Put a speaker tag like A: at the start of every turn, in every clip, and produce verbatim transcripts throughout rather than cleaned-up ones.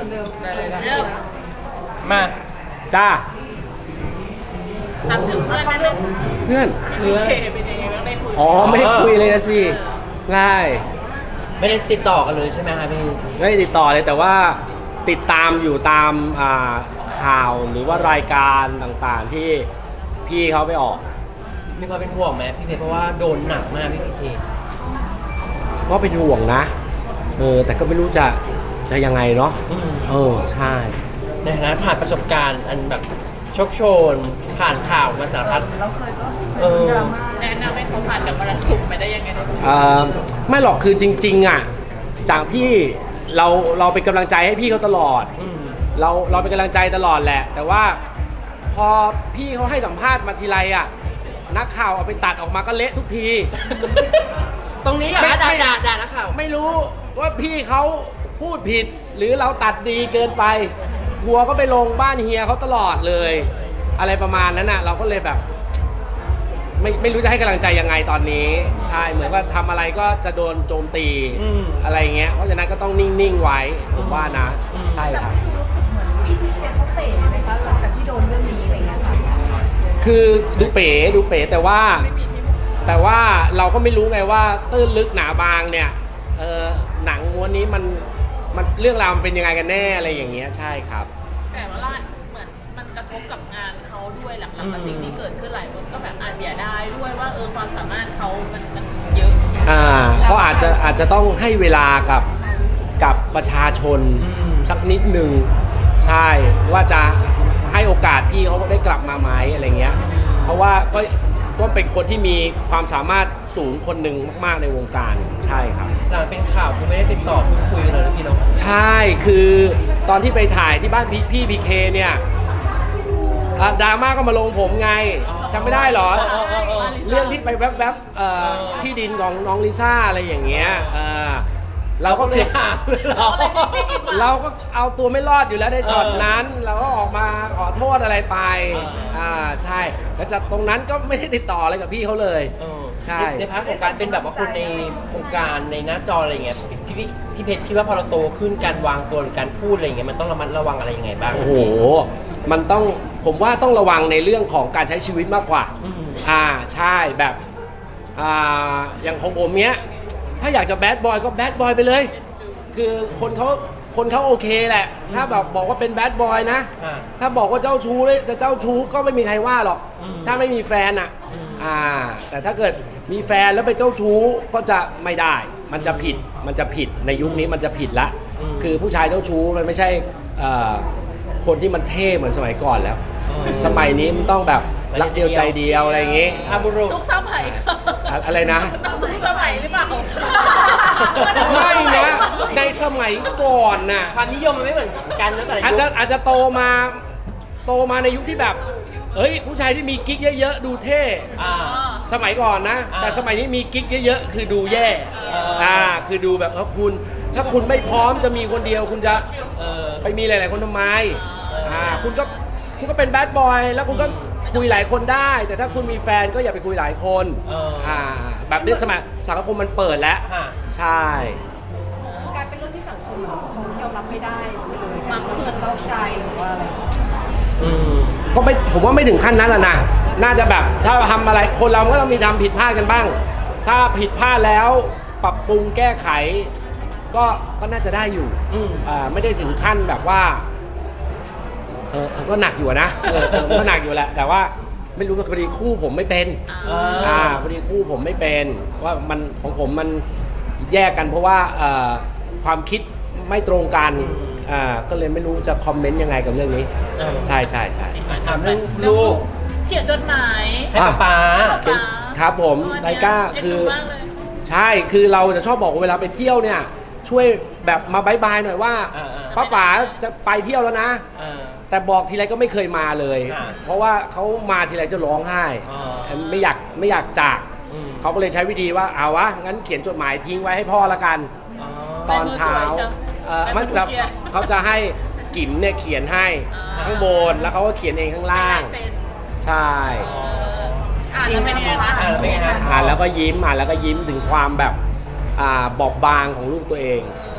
A: มือนเดิม
B: ได้เลยนะ
C: เริ่ม
B: มา
D: จ้า
C: ถามถึงเพื่อนนั่นเลย
D: เพื่อน
B: เพื่อน
C: เคเป็นยังไงบ้างได้คุย
D: อ๋อไม่ได้คุยเลยนะสิได้
B: ไม่ได้ติดต่อกันเลยใช่ไหมคะพี่
D: ไม่ได้ติดต่อเลยแต่ว่าติดตามอยู่ตามอ่าข่าวหรือว่ารายการต่างๆที่พี่เขาไปออก
B: มีความเป็นห่วงไหมพี่เพชรเพราะว่าโดนหนักมากพี่พีเค
D: ก็เป็นห่วงนะเออแต่ก็ไม่รู้จะจะยังไงเนาะ
B: อืม
D: เออใช่
B: ในฐานะผ่านประสบการณ์อันแบบโชคโชน ผ่านข่าวมาสารพัด
A: เราเคยก็
B: เออ
C: แนะนำให้เขาผ่านกับมรสุมไปได้ยังไงได้คุย
D: เอ่อไม่หรอกคือจริงๆอ่ะจากที่เราเราเป็นกำลังใจให้พี่เขาตลอด
B: อืม
D: เราเราเป็นกำลังใจตลอดแหละ แต่ว่าพอพี่เขาให้สัมภาษณ์มาทีไรอ่ะนักข่าวเอาไปตัดออกมาก็เละทุกที
B: ตรงนี้เหรอ
D: ไม่
B: คะด่าด่าด่านักข่าว
D: ไม่รู้ว่าพี่เขาพูดผิด หรือเราตัดดีเกินไปทัวร์ก็ไปลงบ้านเฮียเขาตลอดเลย อะไรประมาณนั้นน่ะเราก็เลยแบบ ไม่ไม่รู้จะให้กำลังใจยังไงตอนนี้ ใช่เหมือนว่าทำอะไรก็จะโดนโจมตี
B: อืม
D: อะไรเงี้ยเพราะฉะนั้นก็ต้องนิ่งๆไว้ผมว่านะ
B: อืม
D: ใช่ครับ
A: พี่พีเคเขาเตะไหมคะหลังจากที่โดนเรื่องนี้อะไรเงี้ยค่ะ
D: คือดูเป๋ดูเป๋แต่ว่า แต่ว่าเราก็ไม่รู้ไงว่าตื้นลึกหนาบางเนี่ยเออหนังม้วนนี้มันมันเรื่องราวมันเป็นยังไงกันแน่อะไรอย่างเงี้ยใช่ครับ
C: แต่ว่าล่าเหมือนมันกระทบกับงานเขาด้วยหลังๆกับสิ่งที่เกิดขึ้นหลายคนก็แบบอาเสียดายด้วยว่าเออความสามารถเขามันมันเยอะ
D: อ่าก็อาจจะอาจจะต้องให้เวลากับกับประชาชน
B: อืม
D: สักนิดหนึ่งใช่ว่าจะให้โอกาสพี่เขาได้กลับมาไหมอะไรเงี้ยเพราะว่าก็ก็เป็นคนที่มีความสามารถสูงคนหนึ่งมากๆในวงการใช่ครับ
B: หลังเป็นข่าวคือไม่ได้ติดต่อพูดคุยกันเลยนะพี่เน้อง
D: ใช่คือตอนที่ไปถ่ายที่บ้านพี่พี่พีเคเนี่ยอ่ะดราม่าก็มาลงผมไงจำไม่ได้เหรอ
B: เออเออเออ
D: เรื่องที่ไปแวบๆเอ่อ
B: เออ
D: ที่ดินของน้องลิซ่าอะไรอย่างเงี้ยเออเราก็
B: เล
D: คื
B: ย
D: อ
B: หาเลยเหรอ
D: เราก็เอาตัวไม่รอดอยู่แล้วในช็อตนั้น เราก็ออกมาขอโทษอะไรไป
B: เอออ่
D: อ่าใช่แล้วจากตรงนั้นก็ไม่ได้ติดต่ออะไรกับพี่เขาเลย
B: เออ
D: ใช่
B: ในพาร์ทของการเป็นแบบว่าคนในวงการในหน้าจออะไรเงี้ยพี่พี่พี่เพชรคิดว่าพอเราโตขึ้นการวางตัวหรือการพูดอะไรเงี้ยมันต้องระมัดระวังอะไรยังไงบ้าง
D: โอ้โหมันต้องผมว่าต้องระวังในเรื่องของการใช้ชีวิตมากกว่า
B: อืม
D: อ่าใช่แบบอ่าอย่างของผมเนี้ยถ้าอยากจะแบดบอยก็แบดบอยไปเลย คือคนเขาคนเขาโอเคแหละ ถ้าแบบบอกว่าเป็นแบดบอยนะ
B: อ่า
D: ถ้าบอกว่าเจ้าชู้เลยจะเจ้าชู้ก็ไม่มีใครว่าหรอก
B: อืม
D: ถ้าไม่มีแฟนอ่ะ
B: อืม
D: อ่าแต่ถ้าเกิดมีแฟนแล้วไปเจ้าชู้ก็จะไม่ได้ มันจะผิดมันจะผิดในยุคนี้มันจะผิดละ
B: อืม
D: คือผู้ชายเจ้าชู้มันไม่ใช่เอ่อคนที่มันเท่เหมือนสมัยก่อนแล้ว
B: อืม
D: สมัยนี้มันต้องแบบรักเดียวใจเดียวอะไรอย่างงี้
B: อาบุรุษ
C: ทุกสมัยค่ะ
D: อะอะไรนะ
C: ทุกสมัยหรือเปล่า
D: ไม่นะในสมัยก่อนน่ะ
B: ความนิยมมันไม่เหมือนกันนะแต่ละ
D: อาจ
B: ยุ
D: จะ
B: ค
D: อาจจะโตมาโตมาในยุคที่แบบ เอ้ย ผู้ชายที่มีกิ๊กเยอะๆ ดูเท่
B: อ่า
D: สมัยก่อนนะ
B: อ่า
D: แต่สมัยนี้มีกิ๊กเยอะๆ คือดูแย่
B: เอออ่
D: อ่าคือดูแบบเออคุณ ถ้าคุณไม่พร้อมจะมีคนเดียวคุณจะ
B: เออ
D: ไปมีหลายๆคนทำไม
B: เอออ่
D: อ่าคุณก็คุณก็เป็นแบดบอยแล้วคุณก็คุยหลายคนได้ แต่ถ้าคุณมีแฟนก็อย่าไปคุยหลายคน
B: เอออ่
D: ่าแบบนี้สมัยสังคมมันเปิดแล้ว
B: ค่ะ
D: ใช่
A: กลายเป็นเรื่องที่สังคมเขายอมรับไม่ได้ไปเลย
C: บางคน
A: ต้องใจหรือว่าอะไร
B: อืม
D: ก็ไม่ผมว่าไม่ถึงขั้นนั้นแหละนะ น่าจะแบบถ้าทำอะไรคนเราก็ต้องมีทำผิดพลาดกันบ้าง ถ้าผิดพลาดแล้วปรับปรุงแก้ไข ก็ก็น่าจะได้อยู่
B: อืม
D: อ่าไม่ได้ถึงขั้นแบบว่าเออเออก็หนักอยู่อะนะเออเออก็หนักอยู่แหละ แต่ว่าไม่รู้ว่าพอดีคู่ผมไม่เป็น
B: อ่า
D: อ่าพอดีคู่ผมไม่เป็นว่ามันของผมมันแยกกันเพราะว่าเอ่อความคิดไม่ตรงกันอ่าก็เลยไม่รู้จะคอมเมนต์ยังไงกับเรื่องนี้
B: เออ
D: ใช่ใช่ใช่
B: ถามเรื่อง
C: เรื่อง
B: ลูก
C: เขียนจดหมาย
B: ให้ป๊าป๊า
C: ป๊า
D: ครับผมไทก้าคือ
C: มากเลย
D: ใช่คือเราจะชอบบอกว่าเวลาไปเที่ยวเนี่ย ช่วยแบบมาบายบายหน่อยว่า
B: อ่าอ่า
D: ป้าป๋าจะไปเที่ยวแล้วนะ
B: เออ
D: แต่บอกทีไรก็ไม่เคยมาเลย
B: อ่า
D: เพราะว่าเขามาทีไรจะร้องไห้
B: อ๋อ
D: ไม่อยากไม่อยากจาก
B: อืม
D: เขาก็เลยใช้วิธีว่าเอาวะงั้นเขียนจดหมายทิ้งไว้ให้พ่อละกัน
B: อ๋อ
D: ตอนเช้า
C: ลายมือสวยเชียว
D: เอ่อ
C: ลายมือ
D: มันจะ
C: เขียน
D: เขาจะให้กิ๋มเนี่ยเขียนให้
C: อ่า
D: ข้างบนแล้วเขาก็เขียนเองข้างล่าง
C: ลายเซ็น
D: ใช่
C: อ่านแล้วเป็นยังไงคะ
B: อ่าแล้วเป็นไงฮะ
D: อ่านแล้วก็ยิ้มอ่านแล้วก็ยิ้มถึงความแบบอ่าบอบบางของลูกตัวเอง
B: เอ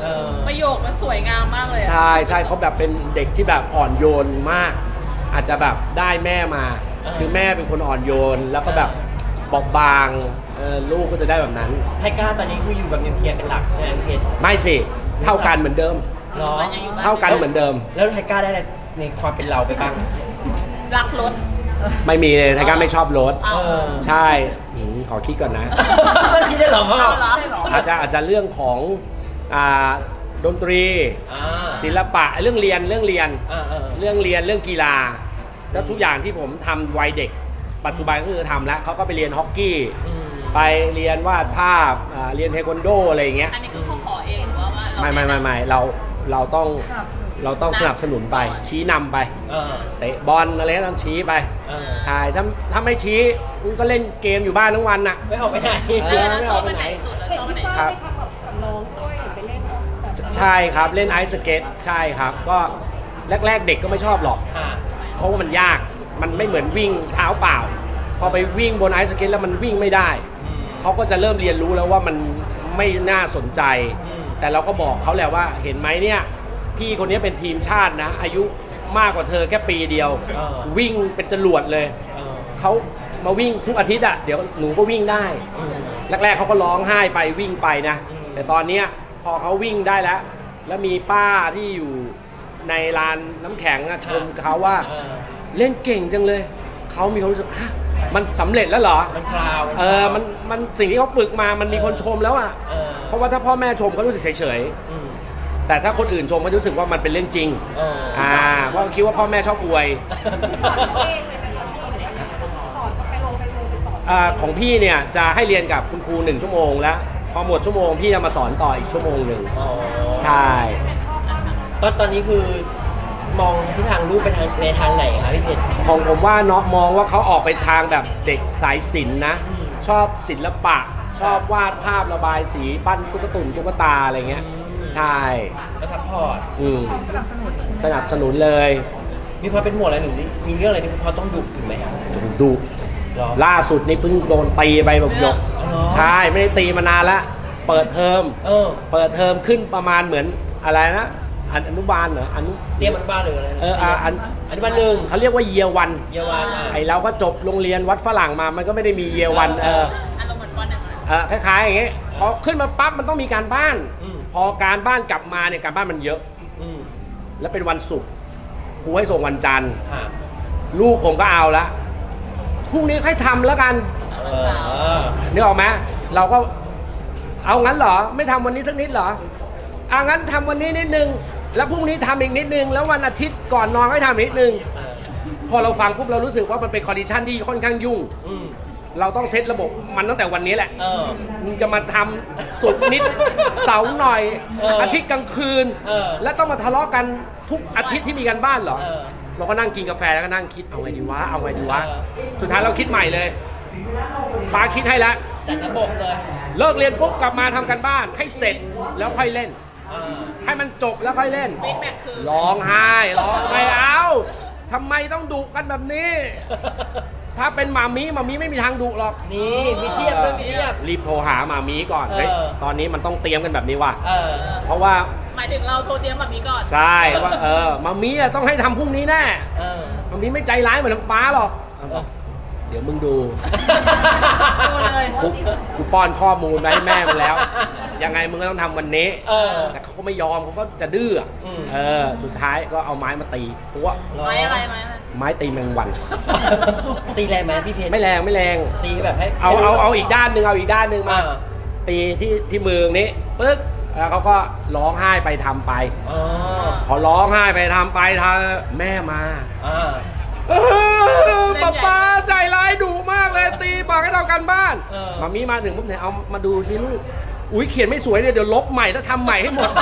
B: เออ
C: ประโยคมันสวยงามมากเลยอะ
D: ใช่ใช่เขาแบบเป็นเด็กที่แบบอ่อนโยนมาก อาจจะแบบได้แม่มา
B: เออ
D: คือแม่เป็นคนอ่อนโยน แล้วก็แบบบอบบางเออลูกก็จะได้แบบนั้น
B: ไทก้าตอนนี้คืออยู่กับนิวเคลียร์เป็นหลักใช่ไหมพี่เพชร
D: ไม่สิเท่ากันเหมือนเดิม
B: เหรอ
C: มันยังอยู่บ้าน
D: เท่ากันเหมือนเดิม
B: แล้วไทก้าได้อะไรในความเป็นเราไปบ้าง
C: รักรถ
D: ไม่มีเลยไทก้าไม่ชอบรถ
C: เอา
B: เออ
D: ใช่อืมขอคิดก่อนนะ
B: คิดได้เหรอพ่อ
C: เอาเหรอ
D: อาจจะอาจจะเรื่องของอ่าดนตรี
B: อ่า
D: ศิลปะเรื่องเรียนเรื่องเรียน
B: อ่าเออ
D: เรื่องเรียนเรื่องกีฬาแล้วทุกอย่างที่ผมทำวัยเด็ก ปัจจุบันก็คือทำแล้วเขาก็ไปเรียนฮอกกี้
B: อืม
D: ไปเรียนวาดภาพอ่าเรียนเทควันโดอะไรอย่างเงี้ย
C: อันนี้คือเขาขอเองหรือว่าว่าเรา
D: ไม่ไม่ไม่ไม่เราเราต้องเราต้องสนับสนุนไป ชี้นำไป
B: เออ
D: เตะบอลอะไรก็ต้องชี้ไป
B: เออ
D: ใช่ถ้าถ้าไม่ชี้มึงก็เล่นเกมอยู่บ้านทั้งวันน่ะ
B: ไม่ออกไปไหน
C: เออแล้วชอบไปไหนสุดแล้ว
A: เห็
C: ช
A: น
C: อบไป
A: พี่
C: ไหน
A: ก้าวไปทำกับกับน้องด้วยหรือไปเล่นแบบ
D: ใช่ครับเล่นไอซ์สเก็ตใช่ครับ ก็แรก ๆ เด็กก็ไม่ชอบหรอก
B: อ่า
D: เพราะว่ามันยากมันไม่เหมือนวิ่งเท้าเปล่า พอไปวิ่งบนไอซ์สเก็ตแล้วมันวิ่งไม่ได้
B: อืม
D: เขาก็จะเริ่มเรียนรู้แล้วว่ามันไม่น่าสนใจ
B: อืม
D: แต่เราก็บอกเขาแหละว่าเห็นไหมเนี่ยพี่คนนี้เป็นทีมชาตินะ อายุมากกว่าเธอแค่ปีเดียว
B: เออ
D: วิ่งเป็นจรวดเลย
B: เออ
D: เขามาวิ่งทุกอาทิตย์อ่ะเดี๋ยวหนูก็วิ่งได้
B: อืม
D: แรกๆเขาก็ร้องไห้ไปวิ่งไปนะ
B: อืม
D: แต่ตอนเนี้ยพอเขาวิ่งได้แล้ว แล้วมีป้าที่อยู่ในลานน้ำแข็งอะชมเขาว่า
B: เออ
D: เล่นเก่งจังเลย เขามีความรู้สึกฮะมันสำเร็จแล้วเหรอ
B: มันพราว
D: เออ มัน มันสิ่งที่เขาฝึกมา มันมีคนชมแล้วอ่ะ
B: เออ
D: เพราะว่าถ้าพ่อแม่ชมเขารู้สึกเฉย
B: อืม
D: ๆ แต่ถ้าคนอื่นชมเขารู้สึกว่ามันเป็นเรื่องจริง
B: เออ
D: อ่า เพราะคิดว่าพ่อแม่ชอบอวย
A: ที่สอนเขาเองเลยเป็นคนพี่หรือสอนเขาไปลงไปลงไปสอน
D: อ่า ของพี่เนี่ยจะให้เรียนกับคุณครูหนึ่งชั่วโมงแล้ว พอหมดชั่วโมงพี่จะมาสอนต่ออีกชั่วโมงหนึ่ง
B: อ๋อ
D: ใช่
B: ตอนตอนนี้คือมองทิศทางลูกไปทางในทางไหนคะพี่เพชร
D: ของผมว่าเนาะมองว่าเขาออกไปทางแบบเด็กสายศิลป์นะ
B: อืม
D: ชอบศิลปะ ชอบวาดภาพระบายสีปั้นตุ๊กตุ่มตุ๊กตาอะไรเงี้ย ใช่
B: ก็ซัพพอร์ต
D: อืมสนับสนุนเลย
B: มีความเป็นห่วงอะไรหนูนี่มีเรื่องอะไรที่คุณพ่อต้องดุอยู่ไหมครับ
D: ดุ
B: หรอ
D: ล่าสุดนี่เพิ่งโดนตีไปแบบหยก
B: อ๋อเหรอ
D: ใช่ไม่ได้ตีมานานละเปิดเทอม
B: เออ
D: เปิดเทอมขึ้นประมาณเหมือนอะไรนะอนุอนุบาลเหรออนุ
B: เตรียมอนุบาลหรืออะไรนะ
D: เอออ่ะอัน
B: อนุบาลหนึ่ง
D: เขาเรียกว่าเยียวัน
B: เยาวานอ่ะ
D: ไอเราก็จบโรงเรียนวัดฝรั่งมามันก็ไม่ได้มีเยียวันเออ
C: อารมณ์เหมือนปหนึ่งเลย
D: เออคล้ายๆอย่างเงี้ยพอขึ้นมาปั๊บมันต้องมีการบ้าน
B: อืม
D: พอการบ้านกลับมาเนี่ยการบ้านมันเยอะ
B: อืม
D: แล้วเป็นวันศุกร์ครูให้ส่งวันจันทร์
B: ค่ะ
D: ลูกผมก็เอาละพรุ่งนี้ค่อยทำแล้วกัน
B: เอ
C: วันเสาร์
B: อ
D: นึกออกไหมเราก็เอางั้นเหรอไม่ทำวันนี้สักนิดเหรออ่ะงั้นทำวันนี้นิดนึงแล้วพรุ่งนี้ทำอีกนิดนึงแล้ววันอาทิตย์ก่อนนอนก็ทำอีกนิดนึง
B: เออ
D: พอเราฟังปุ๊บเรารู้สึกว่ามันเป็นคอนดิชันที่ค่อนข้างยุ่ง
B: อืม
D: เราต้องเซตระบบมันตั้งแต่วันนี้แหละ
B: เออ
D: มึงจะมาทำสุกร์นิด เสาร์หน่อย
B: เอออ
D: อาทิตย์กลางคืน
B: เออ
D: แล้วต้องมาทะเลาะกันทุกอาทิตย์ที่มีการบ้านเหรอ
B: เออ
D: เราก็นั่งกินกาแฟแล้วก็นั่งคิดเอาไงดีวะเอาไงดีวะ
B: เออ
D: สุดท้ายเราคิดใหม่เลยป้าคิดให้แล้ว
B: จัดระบบเลย
D: เลิกเรียนปุ๊บกลับมาทำกันบ้านให้เสร็จแล้วค่อยเล่น
B: อ่า
D: ให้มันจบแล้วค่อยเล่น
C: ฟีดแบ็กคือ
D: ร้องไห้ร้องไม่เอาทำไมต้องดุกันแบบนี้ ถ้าเป็นหมามีหมามีไม่มีทางดุหรอก
B: นี่มีเทียบด้วยมีเทียบ
D: รีบโทรหาหมามีก่อนเฮ้ย
B: เออ
D: ตอนนี้มันต้องเตรียมกันแบบนี้ว่ะ
B: เออ
D: เพราะว่า
C: หมายถึงเราโทรเตรียมแบบนี้ก่อน
D: ใช่ว่าเออหมามีอะต้องให้ทำพรุ่งนี้แน่
B: เออ
D: หมามีไม่ใจร้ายเหมือนป้าหรอก
B: เออ
D: เดี๋ยวมึงดู
C: ดูเลย
D: กูกูป้อนข้อมูลมาให้แม่มันแล้ว ยังไงมึงก็ต้องทำวันนี้
B: เออ
D: แต่เขาก็ไม่ยอมเขาก็จะดื้ออะ
B: อืม
D: เออ สุดท้ายก็เอาไม้มาตีเพราะว่า
C: ไม้อะไรไม้อะไร
D: ไม้ตีแมงวัน
B: ตีแรงไหมพี่เพชร
D: ไม่แรงไม่แรง
B: ตีแบบให้
D: เอาเอาเอาอีกด้านหนึ่งเอาอีกด้านหนึ่งมา
B: อ่า
D: ตีที่ที่มือนี้ปึ๊กแล้วเขาก็ร้องไห้ไปทำไป
B: อ๋อ
D: พอร้องไห้ไปทำไปทำแม่มา
B: อ่า
D: เออป๊าป๊าใจร้ายดุมากเลยตีบอกให้เรากันบ้าน
B: เออ
D: มามีมาถึงปุ๊บเนี่ยเอามาดูสิลูกอุ้ยเขียนไม่สวยเนี่ยเดี๋ยวลบใหม่แล้วทำใหม่ให้หมด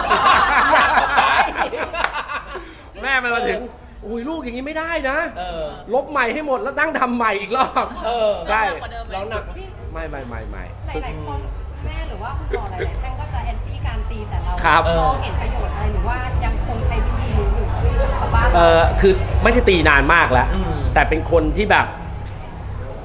D: แม่มันมาถึงอุ้ยลูกอย่างนี้ไม่ได้นะ
B: เออ
D: ลบใหม่ให้หมดแล้วตั้งทำใหม่อีกรอบ
B: เออ
D: ใช่
C: หนักกว่าเดิมไหม
B: ร้องหนัก
A: พี่
D: ไม่ไม่ไม่ไม่
A: หลายๆคนแม่หรือว่าคุณหมอหลายๆท่านก็จะแอนตี้การตีแต่เรา
D: ครับ
A: มองเห็นประโยชน์อะไรหรือว่ายังคงใช้วิธีนี้อยู่กับบ้าน
D: เออคือไม่ได้ตีนานมากแล้ว
B: อืม
D: แต่เป็นคนที่แบบ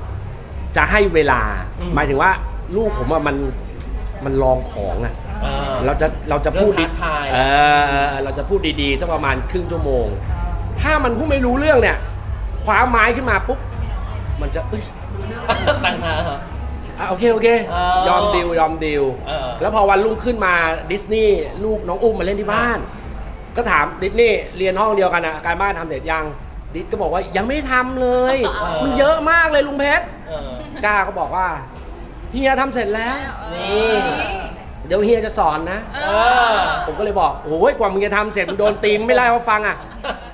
D: จะให้เวลา
B: อืม
D: หมายถึงว่าลูกผมอะมันมันลองของอะ
B: อ่า
D: เราจะเราจะพูด
B: เริ่มท้าทาย
D: เออเราจะพูดดีๆสักประมาณครึ่งชั่วโมง ถ้ามันพูดไม่รู้เรื่องเนี่ยคว้าไม้ขึ้นมาปุ๊บมันจะเอ้ย
B: ตั้งท่าเหรอ
D: อ่ะโอเคโอเค
B: เออย
D: อมดิวยอมดิว
B: เออ
D: แล้วพอวันรุ่งขึ้นมาดิสนีย์ลูกน้องอุ้มมาเล่นที่บ้าน ก็ถามดิสนีย์เรียนห้องเดียวกันอะการบ้านทำเสร็จยังดิสก็บอกว่ายังไม่ทำเลย มันเยอะมากเลยลุงเพชร
B: เออ
D: ก้าก็บอกว่าเฮียทำเสร็จแล้ว
B: นี่
D: เดี๋ยวเฮียจะสอนนะ
B: เออ
D: ผมก็เลยบอกโอ้ยกว่ามึงจะทำเสร็จมึงโดนตีมไม่ไล่เขาฟังอ่ะ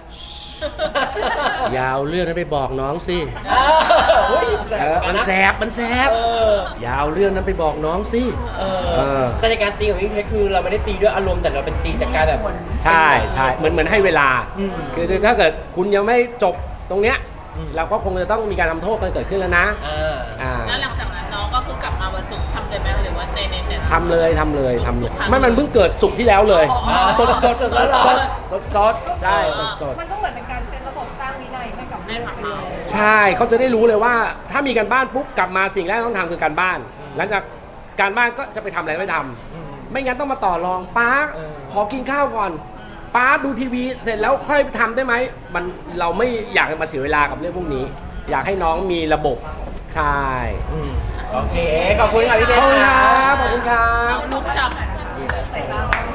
D: อยาวเรื่องนั้นไปบอกน้องสิ
B: เออเฮ้ยแส
D: เอบ อ
B: เห
D: มัน
B: กัะ
D: แสบมันแสบ
B: เออ
D: ยาวเรื่องนั้นไปบอกน้องสิ
B: เอ
D: เอ
B: อ
D: อ
B: แต่ในการตีของพี่เพชรคือเราไม่ได้ตีด้วยอารมณ์แต่เราเป็นตีจากการแบบ
D: ใช่ใช่เหมือนเหมือนให้เวลา
B: อืม
D: คือคือถ้าเกิดคุณยังไม่จบตรงเนี้ย
B: อืม
D: เราก็คงจะต้องมีการทำโทษกันเกิดขึ้นแล้วนะ
B: อ่า
D: อ่า
C: แล้วหลังจากนั้นน้องก็คือกลับมาวันศุกร์ทำเลยไหมหรือว่าเนเนแต่
D: ทำเลยทำเลยทำเลย
C: ทุกครั้ง
D: ไม่มันเพิ่งเกิดสุกร์ที่แล้วเลย
C: อ๋ออ๋อ
D: สดสดสดสดสด
B: อ๋อ
D: สดสดใช่สดสด
A: มันก็เหมือนเป็นการเซตระบบสร้างวินัยให้กับ
C: ให้ผักเรา
D: ใช่เขาจะได้รู้เลยว่าถ้ามีการบ้านปุ๊บกลับมาสิ่งแรกต้องทำคือการบ้าน หลังจากการบ้านก็จะไปทำอะไรไม่ทำ
B: อืม
D: ไม่งั้นต้องมาต่อรองป้า
B: เออ
D: ขอกินข้าวก่อนป้าดูทีวีเสร็จแล้วค่อยทำได้ไหมมันเราไม่อยากมาเสียเวลากับเรื่องพวกนี้ อยากให้น้องมีระบบใช่
B: อืมโอเค ขอบคุณค่ะพี่เพ
D: ข
B: ช
D: อบ
B: ร
D: คุณครับขอบคุณครับ
C: เอาลูกชับ
B: นี่แหละ